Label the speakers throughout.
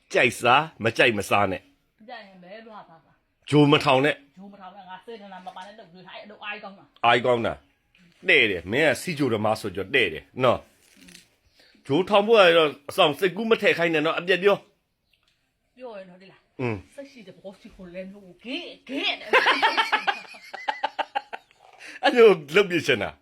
Speaker 1: ကြိုက်စားမကြိုက်မစားနဲ့
Speaker 2: ကြိုက်ရင်ဘယ်လိုဟာပါ
Speaker 1: ဂျိုမထောင်နဲ့
Speaker 2: ဂျိုးမထောင်နဲ့ငါစေတနာမပါနဲ့တော့ဒီဟိုက်တော့အိုင်ကောင်းတာ
Speaker 1: အိုင်ကောင်းတာတဲ့တယ်မင်းကစီဂျိုဓမာဆိုကြတဲ့တယ်နော်ဂျိုထောင်ဖို့ကတော့အဆောင်စိတ်ကူးမထည့်ခိုင်းနဲ့နော်အပြက်ပြော
Speaker 2: ပြောရင်တော့ဒီလား
Speaker 1: อืม
Speaker 2: ဆက်ရှိတဲ့ဘောစီကိုလည်းဟိုဂေးနဲ့
Speaker 1: အဲ့လိုလုတ်ပြချင်တာ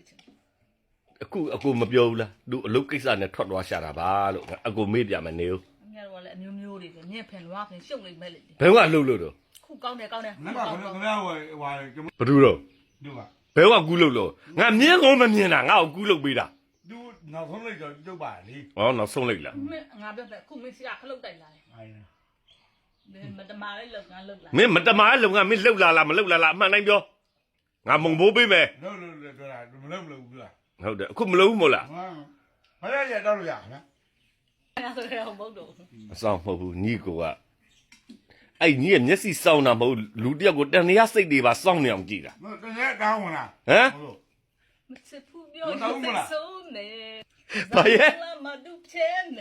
Speaker 1: အခုမပြောဘူးလားသူအလုပ်ကိစ္စနဲ့ထွက်သွားရှာတာပါလို့အခုမေးပြမနေဘူး
Speaker 2: ငါတို့ကလည်းအမျိုးမျိုးတွေဆိုညက်ဖင်လွားဖင်ရှုပ်နေမဲ့လေ
Speaker 1: ဘယ်ကလှုပ်လို့တော့
Speaker 2: ခုကောင်းတယ်ကောင်းတယ်
Speaker 3: နင်ကခင်ဗျားဟိုကျွန်
Speaker 1: ဘယ်သူတော့
Speaker 3: တို့က
Speaker 1: ဘယ်ကကူးလှုပ်လို့ငါမြင်ကုန်မမြင်တာငါ့ကိုကူးလှုပ်ပေးတာ
Speaker 3: သူနောက်ဆုံးလိုက်တော့ကျုပ်ပါလေ
Speaker 1: ဟောနောက်ဆုံးလိုက်လား
Speaker 2: ငါပြောတယ်ခုမင်းစရာခလုတ်တိုက်လာတယ်
Speaker 3: အိုင်
Speaker 2: မတမာလေးလောက်ငါလောက်လာ
Speaker 1: မင်းမတမားလုံကမင်းလှုပ်လာလားမလှုပ်လာလားအမှန်တိုင်းပြောငါမုံဘိုးပေးမယ်
Speaker 3: လို့ပြောတာမလုပ်ဘူးလား
Speaker 1: ဟုတ်တယ်အခုမလုပ်ဘူးမို့လား
Speaker 3: ဟာဘာရတော့လို့ရဟမ်
Speaker 2: ငါဆိုရအောင်မဟုတ်တော့
Speaker 1: အဆောင်မဟုတ်ဘူးညီကိုကအဲ့ညီရဲ့မျက်စိစောင်းတာမဟုတ်လူတယောက်ကိုတန်ရစိတ်တွေပါစောင်းနေအောင်ကြည့်တာ
Speaker 3: မတကယ်ကောင်းမလား
Speaker 1: ဟမ်
Speaker 2: မချစ်ဘူးပြောရင်ဆုံးနေ
Speaker 1: ဘာရဲ့
Speaker 2: လာမဒုချဲနေ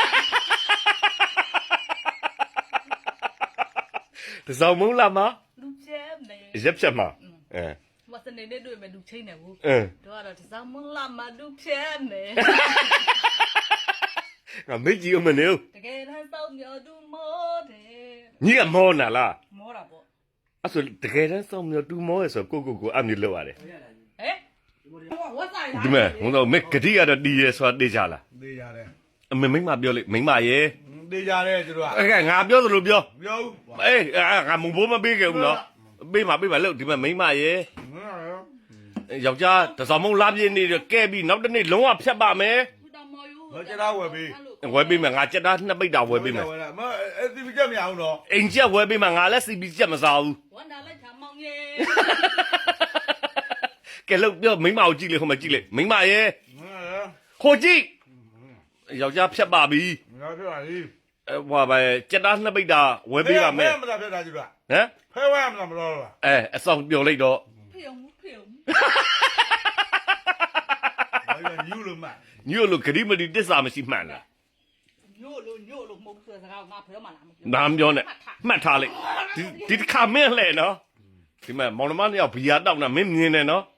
Speaker 1: တစောင်းမုံလာမ
Speaker 2: လူချဲနေ
Speaker 1: ရက်ဖြတ်မှာအဲ
Speaker 2: မစနေနဲ့တွေ့မယ်လူချင်းနေဘူး
Speaker 1: အင်း
Speaker 2: တို့ကတော့တစားမလာမဒုချဲနေ
Speaker 1: ငါမေ့ကြည့်အောင်မနေဘူး
Speaker 2: တကယ်တမ်းစောင်းမြော်သူမောတယ်
Speaker 1: ညီကမောနာလား
Speaker 2: မောတာပေါ့
Speaker 1: အဲ့ဆိုတကယ်တမ်းစောင်းမျိုးတူမောရဆိုကိုအမျိုးလောက်ရတယ်
Speaker 2: ဟဲ့ဝတ်ဆိုင်လား
Speaker 1: ဒီမဲ့ဟိုတော့မေဂတိကတော့တီးရဲဆိုတာတေးကြလား
Speaker 3: သေးရတယ်
Speaker 1: အမေမိမပြောလိမိမရဲ့
Speaker 3: သေးရတယ်သူတို့က
Speaker 1: အဲ့ကငါပြောသလိုပြော
Speaker 3: ပြော
Speaker 1: အေးငါမုံဘိုးမပေးခဲ့ဘူးနော်ပေးမှာလို့ဒီမဲ့မိမရဲ့ယောက်ျားတစောင်းမုံလာပြင်းနေကဲပြီးနောက်တစ်နေ့လုံးဝဖြတ်ပါမယ်
Speaker 2: ဘူးတော်မော်ယူ
Speaker 3: ဘာကြတာဝယ်ပြီး
Speaker 1: ဝယ်ပေးမယ်ငါကြက်သားနှစ်ပိတ်တာဝယ်ပေးမယ်
Speaker 3: မအဲ့ဒီပြကြမရအောင်တော့
Speaker 1: အိမ်ကျက်ဝယ်ပေးမယ်ငါလည်းစီပီကျက်မစားဘူး
Speaker 2: ဝန်တာလိုက်ချမောင်ရေ
Speaker 1: ကဲလို့ပြောမိမကိုကြည့်လေဟိုမှာကြည့်လေမိမရဲ့ဟိုကြည့်ယောက်ျားဖြတ်ပါပြီ
Speaker 3: ငါပြောပါလေ
Speaker 1: ဟိုပါကြက်သားနှစ်ပိတ်တာဝယ်ပေးပါမယ်
Speaker 3: မလားပြတာကြည့်ပါ
Speaker 1: ဟမ်
Speaker 3: ဖဲဝဲမလားမလို့လား
Speaker 1: အဆောင်ပြောလိုက်တော့
Speaker 2: ဖေုံဖေုံ
Speaker 3: ဘာညူလို့မ
Speaker 1: ညို့လို့ဂရိမတိတစ္ဆာမရှိမှန်လား
Speaker 2: ညို့လို့မဟုတ်ဘူးစကားငါဖေုံမလားမပြော
Speaker 1: နာမပြောနဲ့မှတ်ထားလိုက်ဒီတစ်ခါမင်းလှဲ့နော်ဒီမဲ့မောင်နှမနှစ်ယောက်ဘီယာတောက်တာမင်းမြင်တယ်နော်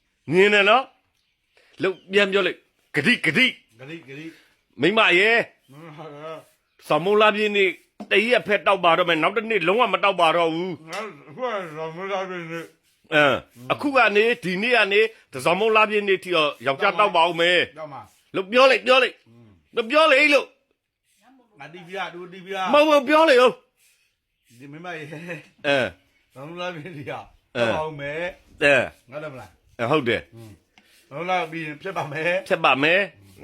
Speaker 1: လို့ပြန်ပြောလိုက်ဂရိ
Speaker 3: ဂရိ
Speaker 1: မိမရဲ့စမုံလာပြင်းနေတရက်ဖက်တောက်ပါတော့မယ်နောက်တစ်နေ့လုံးဝမတောက်ပါတော့ဘူး
Speaker 3: ငါကတော့မလာပြင်းနေ
Speaker 1: အခုကနေဒီနေ့ကနေတစောင်းမုံလာပြင်းနေတီတော့ယောက်ျားတောက်ပါအောင်မယ်
Speaker 3: တော့မှာ
Speaker 1: လို့ပြောလိုက်လို့
Speaker 3: ငါတီးပြတူတီးပြ
Speaker 1: မဟုတ်ပြောလေဟုတ်
Speaker 3: ဒီမမရေ
Speaker 1: အဲ
Speaker 3: လုံးလာပြင်းဒီဟာတော့အောင်မယ်
Speaker 1: အဲ
Speaker 3: ငါလည်းမလား
Speaker 1: ဟုတ်တယ်
Speaker 3: လုံးလာပြီးဖြစ်ပါမယ်
Speaker 1: ဖြတ်ပါမယ်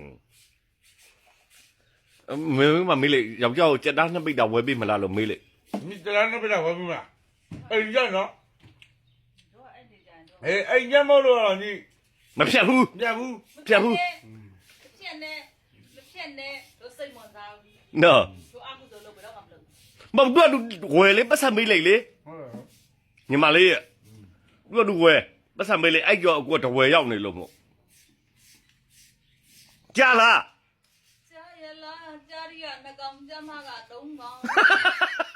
Speaker 1: မင်းမမေးလေယောက်ျားကိုကြက်သားနှစ်ပိတ်တာဝယ်ပေးမလားလို့မေးလေ
Speaker 3: ဒီတလားနေပြတာဝယ်ဘူးလားအဲ့ရနော်
Speaker 2: တို့အဲ့ဒီကြံတော့
Speaker 3: အဲ့ညမလို့တော့ညီ
Speaker 1: မဖြတ်ဘူး
Speaker 3: ပြဘူး
Speaker 2: ဖြတ်နေတို့စိတ်ဝင်စားဘူး
Speaker 1: နော်
Speaker 2: တို့အမှုတို့လုပ်ပြီးတော့မလုပ်
Speaker 1: မဟုတ်တော့ဝယ်လေပတ်စံမေးလိုက်လေ
Speaker 3: ဟုတ်တယ်
Speaker 1: ညီမလေးသူဝယ်ပတ်စံမေးလေအဲ့ကြောအကူတဝယ်ရောက်နေလို့မို့ကြာလား
Speaker 2: ကြားရလားကြားရနှကောင်ကြမ်းမက3ကောင်